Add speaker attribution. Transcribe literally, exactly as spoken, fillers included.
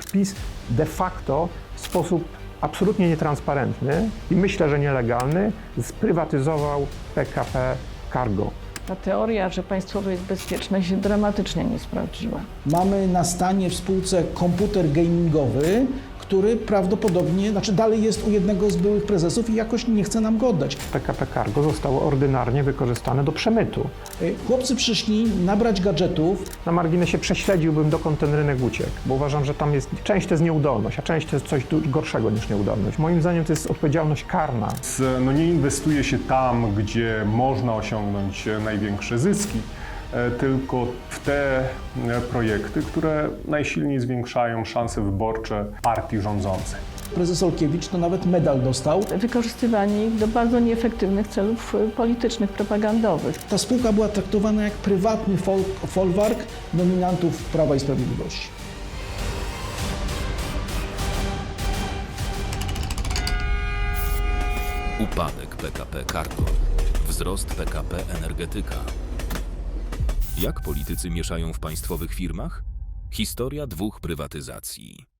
Speaker 1: PiS de facto w sposób absolutnie nietransparentny i myślę, że nielegalny sprywatyzował P K P Cargo.
Speaker 2: Ta teoria, że państwowe jest bezpieczne, się dramatycznie nie sprawdziła.
Speaker 3: Mamy na stanie w spółce komputer gamingowy, który prawdopodobnie, znaczy dalej jest u jednego z byłych prezesów i jakoś nie chce nam go oddać.
Speaker 1: P K P Cargo zostało ordynarnie wykorzystane do przemytu.
Speaker 3: Chłopcy przyszli nabrać gadżetów.
Speaker 1: Na marginesie prześledziłbym, dokąd ten rynek uciekł, bo uważam, że tam jest, część to jest nieudolność, a część to jest coś gorszego niż nieudolność. Moim zdaniem to jest odpowiedzialność karna.
Speaker 4: No nie inwestuje się tam, gdzie można osiągnąć największe zyski, tylko w te projekty, które najsilniej zwiększają szanse wyborcze partii rządzącej.
Speaker 3: Prezes Olkiewicz to nawet medal dostał.
Speaker 2: Wykorzystywanie ich do bardzo nieefektywnych celów politycznych, propagandowych.
Speaker 3: Ta spółka była traktowana jak prywatny fol folwark nominantów Prawa i Sprawiedliwości.
Speaker 5: Upadek P K P Cargo, wzrost P K P Energetyka. Jak politycy mieszają w państwowych firmach? Historia dwóch prywatyzacji.